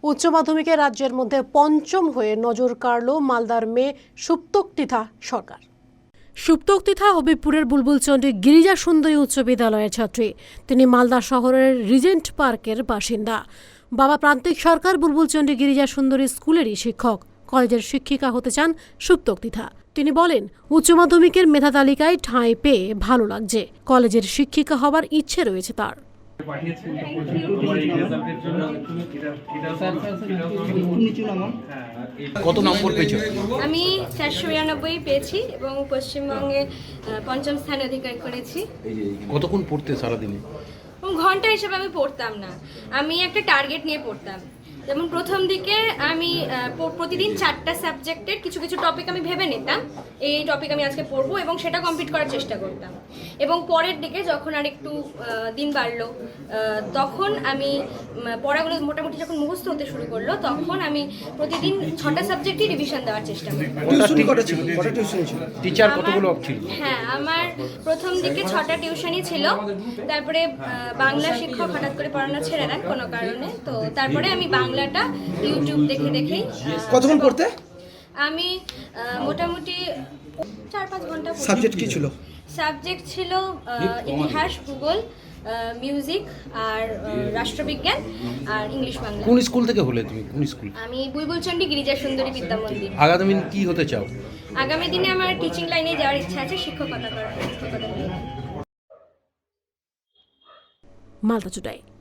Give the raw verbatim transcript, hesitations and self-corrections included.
উচ্চ মাধ্যমিকে রাজ্যের মধ্যে পঞ্চম হয়ে নজর কাড়ল মালদার মেয়ে সুপ্তক্তিথা সরকার। সুপ্তক্তিথা হবিবপুরের বুলবুলচন্ডী গিরিজা সুন্দরী উচ্চ বিদ্যালয়ের ছাত্রী। তিনি মালদা শহরের রিজেন্ট পার্কের বাসিন্দা। বাবা প্রান্তিক সরকার বুলবুলচন্ডী গিরিজা সুন্দরী স্কুলেরই শিক্ষক। কলেজের শিক্ষিকা হতে চান সুপ্তক্তিথা। তিনি বলেন, উচ্চ মাধ্যমিকের মেধা তালিকায় ঠাঁই পেয়ে ভালো লাগছে। কলেজের শিক্ষিকা হবার ইচ্ছে রয়েছে তার। কত নম্বর পেয়েছো? আমি চারশো বিরানব্বই পেয়েছি এবং পশ্চিমবঙ্গে পঞ্চম স্থান অধিকার করেছি। কতক্ষণ পড়তে সারাদিনে? ঘন্টা হিসেবে আমি পড়তাম না, আমি একটা টার্গেট নিয়ে পড়তাম। যেমন প্রথম দিকে আমি প্রতিদিন চারটা সাবজেক্টের কিছু কিছু টপিক আমি ভেবে নিতাম, এই টপিক আমি আজকে পড়বো এবং সেটা কমপ্লিট করার চেষ্টা করতাম। এবং পরের দিকে যখন আর একটু দিন বাড়লো, তখন আমি পড়াগুলো মোটামুটি যখন মুখস্থ হতে শুরু করলো, তখন আমি প্রতিদিন ছটা সাবজেক্টই রিভিশন দেওয়ার চেষ্টা করতাম। টিচার কতগুলো ছিল? হ্যাঁ, আমার প্রথম দিকে ছটা টিউশনই ছিল। তারপরে বাংলা শিক্ষক হঠাৎ করে পড়ানো ছেড়ে দেন কোনো কারণে, তো তারপরে আমি বাংলাটা ইউটিউব দেখে দেখেই। কতক্ষণ পড়তে? আমি মোটামুটি চার পাঁচ ঘন্টা। সাবজেক্ট কি ছিল? সাবজেক্ট ছিল ইতিহাস, ভূগোল, মিউজিক আর রাষ্ট্রবিজ্ঞান আর ইংলিশ বাংলা। কোন স্কুল থেকে হলে তুমি? কোন স্কুল? আমি বুলবুলচন্ডী গিরিজা সুন্দরী বিদ্যা মন্দির। আগামী দিন কি হতে চাও? আগামী দিনে আমার টিচিং লাইনে যাওয়ার ইচ্ছা আছে, শিক্ষকতা করার। মালদা টুডে।